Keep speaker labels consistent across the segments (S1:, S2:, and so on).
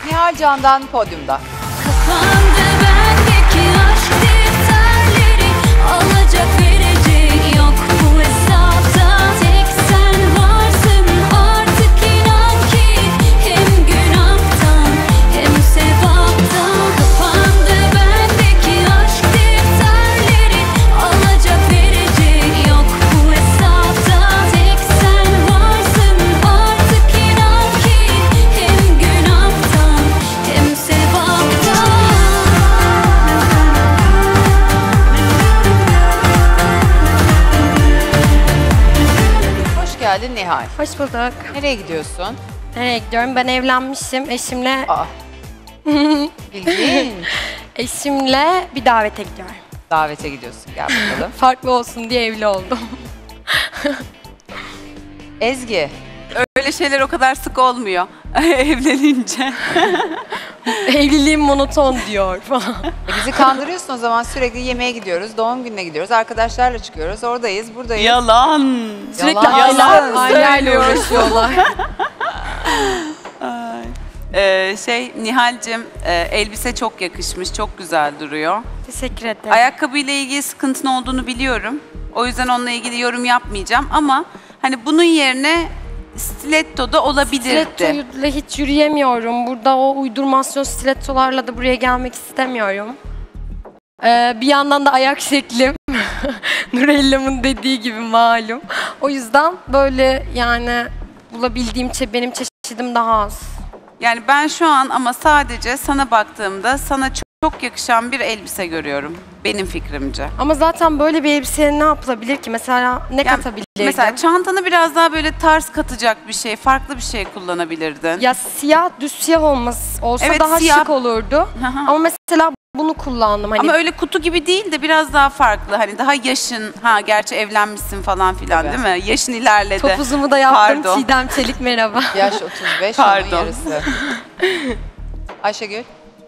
S1: Nihal Can'dan podyumda.
S2: Kafamda bendeki aşk defterleri, alacak verecek yok bu hesapta. Tek sen varsın artık, inan ki hem günahtan hem sevaptan. Kafamda bendeki aşk defterleri, alacak verecek yok bu hesapta. Tek sen varsın artık, inan ki hem günahtan hem sevaptan.
S1: Hoş geldin Nihal.
S3: Hoş bulduk.
S1: Nereye gidiyorsun?
S3: Nereye gidiyorum? Ben evlenmişim. Eşimle
S1: Aa. İlginç.
S3: eşimle bir davete gidiyorum.
S1: Davete gidiyorsun. Gel bakalım.
S3: Farklı olsun diye evli oldum.
S1: Ezgi.
S4: Öyle şeyler o kadar sık olmuyor evlenince.
S3: Evliliğim monoton diyor falan.
S1: Bizi kandırıyorsun o zaman, sürekli yemeğe gidiyoruz, doğum gününe gidiyoruz, arkadaşlarla çıkıyoruz, oradayız, buradayız.
S4: Yalan.
S3: Sürekli
S1: Yalan
S3: aileyle uğraşıyorlar.
S4: Nihal'cim elbise çok yakışmış, çok güzel duruyor.
S3: Teşekkür ederim.
S4: Ayakkabıyla ilgili sıkıntın olduğunu biliyorum. O yüzden onunla ilgili yorum yapmayacağım ama hani bunun yerine stiletto da olabilirdi.
S3: Stilettoyla hiç yürüyemiyorum. Burada o uydurmasyon stilettolarla da buraya gelmek istemiyorum. Bir yandan da ayak şeklim Nurellam'ın dediği gibi malum. O yüzden böyle yani bulabildiğim benim çeşidim daha az.
S4: Yani ben şu an ama sadece sana baktığımda sana çok yakışan bir elbise görüyorum. Benim fikrimce.
S3: Ama zaten böyle bir elbiseye ne yapılabilir ki? Mesela ne katabilirdim?
S4: Mesela çantanı biraz daha böyle tarz katacak bir şey, farklı bir şey kullanabilirdin.
S3: Ya siyah, düz siyah olsa
S4: Evet,
S3: daha
S4: siyah.
S3: şık olurdu.
S4: Hı hı.
S3: Ama mesela bunu kullandım. Hani
S4: Ama öyle kutu gibi değil de biraz daha farklı. Hani daha yaşın, gerçi evlenmişsin falan filan
S1: Evet.
S4: değil mi? Yaşın ilerledi.
S3: topuzumu da yaptım.
S4: Pardon.
S3: Çiğdem Çelik merhaba.
S1: Yaş 35,
S4: Pardon.
S1: onun yarısı. Ayşegül.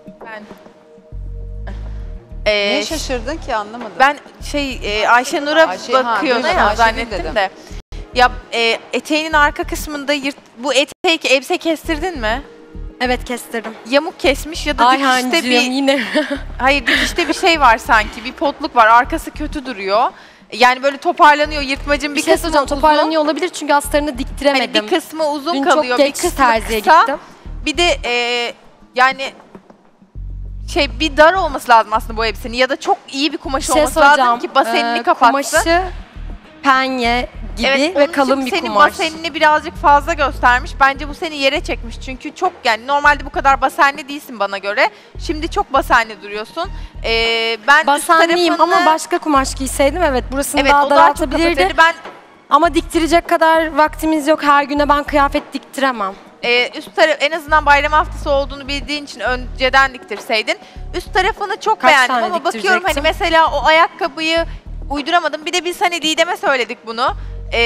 S1: Niye şaşırdın ki, anlamadım.
S5: Ben Ayşenur'a bakıyordum
S1: duydum,
S5: ya,
S1: Ayşegül
S5: zannettim
S1: dedim.
S5: de. Ya eteğinin arka kısmında bu etek elbise kestirdin mi?
S3: Evet, kestirdim.
S5: Yamuk kesmiş ya da
S3: Ayhancığım
S5: dikişte bir
S3: yine.
S5: hayır dikişte bir şey var sanki. Bir potluk var. Arkası kötü duruyor. Yani böyle toparlanıyor. Yırtmacın
S3: bir
S5: bir
S3: şey
S5: kısmı
S3: söyleyeceğim.
S5: uzun.
S3: Toparlanıyor olabilir çünkü astarını
S5: Hani
S3: diktiremedim.
S5: bir kısmı uzun
S3: Dün
S5: kalıyor.
S3: çok
S5: Bir
S3: geç
S5: kısmı
S3: terziye
S5: kısa.
S3: gittim.
S5: Bir de yani bir dar olması lazım aslında bu elbisenin ya da çok iyi bir kumaş
S3: Bir şey
S5: olması lazım
S3: söyleyeceğim.
S5: ki basenini kapatsın.
S3: Kumaşı penye gibi
S5: Evet,
S3: ve
S5: onun
S3: kalın
S5: için
S3: bir
S5: senin
S3: kumaş.
S5: basenini birazcık fazla göstermiş. Bence bu seni yere çekmiş. Çünkü çok yani normalde bu kadar basenli değilsin bana göre. Şimdi çok basenli duruyorsun. Ben
S3: Basenliyim
S5: üst tarafını,
S3: ama başka kumaş giyseydim evet burasını
S5: evet,
S3: daha
S5: o daha çok
S3: daraltabilirdi.
S5: kapatırdı. Ben
S3: Ama diktirecek kadar vaktimiz yok. Her güne ben kıyafet diktiremem.
S5: üst taraf en azından bayram haftası olduğunu bildiğin için önceden diktirseydin. Üst tarafını çok
S3: Kaç
S5: beğendim
S3: tane
S5: ama bakıyorum hani
S3: diktirecektim?
S5: mesela o ayakkabıyı uyduramadım. Bir de biz hani Didem'e söyledik bunu.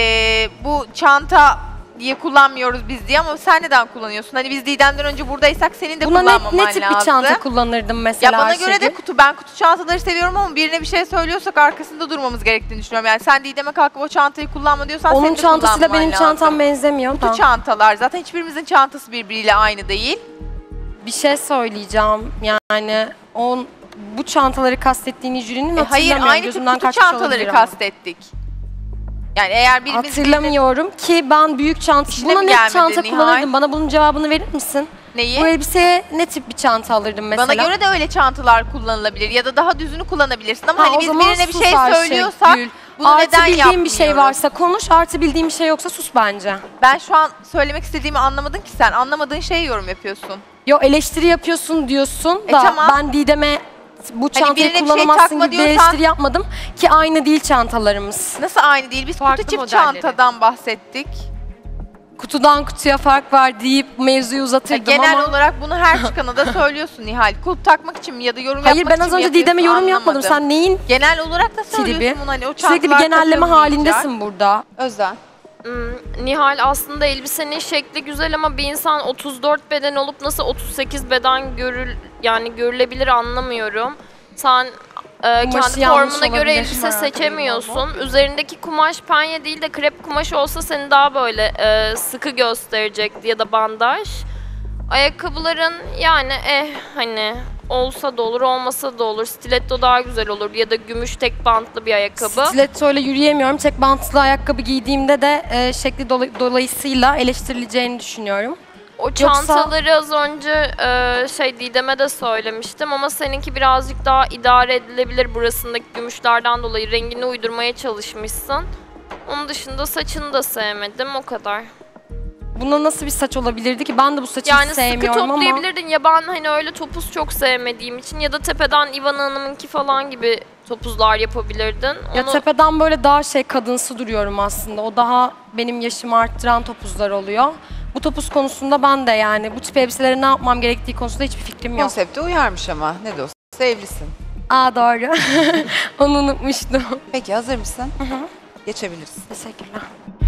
S5: Bu çanta diye kullanmıyoruz biz diye ama sen neden kullanıyorsun? Hani biz Didem'den önce buradaysak senin de
S3: Buna
S5: kullanmaman
S3: ne
S5: lazım.
S3: tip bir çanta kullanırdım mesela
S5: Ya bana göre de
S3: Ayşegül?
S5: kutu. Ben kutu çantaları seviyorum ama birine bir şey söylüyorsak arkasında durmamız gerektiğini düşünüyorum. Yani sen Didem'e kalkıp o çantayı kullanma diyorsan
S3: Onun
S5: senin de
S3: çantasıyla
S5: kullanman
S3: benim
S5: lazım.
S3: çantam benzemiyor
S5: Kutu
S3: da.
S5: çantalar. Zaten hiçbirimizin çantası birbiriyle aynı değil.
S3: Bir şey söyleyeceğim. Yani bu çantaları kastettiğini jürinin
S5: Hayır,
S3: hatırlamıyorum.
S5: aynı tip
S3: Gözümden
S5: kutu
S3: kaçmış olabilir
S5: çantaları
S3: ama.
S5: kastettik. Yani eğer birimiz
S3: Hatırlamıyorum ki ben büyük çanta...
S5: İşine
S3: Buna
S5: mi
S3: ne
S5: gelmedi
S3: çanta
S5: Nihal?
S3: kullanırdım? Bana bunun cevabını verir misin?
S5: neyi?
S3: Bu elbiseye ne tip bir çanta alırdım mesela?
S5: Bana göre de öyle çantalar kullanılabilir ya da daha düzünü kullanabilirsin ama
S3: Ha,
S5: hani
S3: o
S5: biz
S3: zaman
S5: birine bir
S3: sus
S5: şey
S3: Ayşegül.
S5: söylüyorsak bunu
S3: Artı
S5: neden
S3: bildiğin
S5: yapmıyoruz?
S3: bir şey varsa konuş, artı bildiğin bir şey yoksa sus bence.
S5: Ben şu an söylemek istediğimi anlamadın ki sen. Anlamadığın şeyi yorum yapıyorsun.
S3: Yo eleştiri yapıyorsun diyorsun da
S5: tamam.
S3: ben Didem'e bu çantayı
S5: birine bir şey
S3: kullanamazsın
S5: takma
S3: gibi bir
S5: diyorsan-
S3: eleştiri yapmadım ki aynı değil çantalarımız.
S5: Nasıl aynı değil? Biz
S6: Farklı
S5: kutu çift
S6: modelleri.
S5: çantadan bahsettik.
S3: Kutudan kutuya fark var deyip mevzuyu uzatırdım
S5: Genel
S3: ama...
S5: olarak bunu her çıkana da söylüyorsun Nihal. Kulp takmak için mi ya da yorum
S3: Hayır
S5: yapmak için
S3: ben az
S5: mi
S3: önce
S5: yapıyorsun?
S3: Didem'e yorum yapmadım.
S5: Anlamadım.
S3: Sen neyin
S5: Genel olarak da söylüyorsun
S3: tribi?
S5: bunu hani o
S3: Sürekli bir
S5: çantalar
S3: genelleme
S5: takılmayacak.
S3: halindesin burada.
S1: Özden.
S6: Nihal aslında elbisenin şekli güzel ama bir insan 34 beden olup nasıl 38 beden görülebilir anlamıyorum. Sen kendi
S3: yanlış
S6: formuna göre
S3: olabilir.
S6: elbise seçemiyorsun. Üzerindeki kumaş penye değil de krep kumaş olsa seni daha böyle sıkı gösterecekti ya da bandaj. Ayakkabıların yani hani olsa da olur, olmasa da olur. Stiletto daha güzel olur ya da gümüş tek bantlı bir ayakkabı.
S3: Stiletto ile yürüyemiyorum. Tek bantlı ayakkabı giydiğimde de şekli dolayısıyla eleştirileceğini düşünüyorum.
S6: O çantaları az önce Didem'e de söylemiştim ama seninki birazcık daha idare edilebilir, burasındaki gümüşlerden dolayı rengini uydurmaya çalışmışsın. Onun dışında saçını da sevmedim, o kadar.
S3: Buna nasıl bir saç olabilirdi ki? Ben de bu saçı hiç
S6: Yani sıkı
S3: sevmiyorum ama.
S6: toplayabilirdin ya, ben hani öyle topuz çok sevmediğim için ya da tepeden İvan Hanım'ınki falan gibi topuzlar yapabilirdin.
S3: Ya tepeden böyle daha kadınsı duruyorum aslında. O daha benim yaşımı arttıran topuzlar oluyor. Bu topuz konusunda ben de yani bu tip elbiselere ne yapmam gerektiği konusunda hiçbir fikrim yok.
S1: Konsepte uyarmış ama ne de olsa evlisin.
S3: Aa doğru. Onu unutmuştum.
S1: Peki hazır mısın? Geçebilirsin.
S3: Teşekkürler.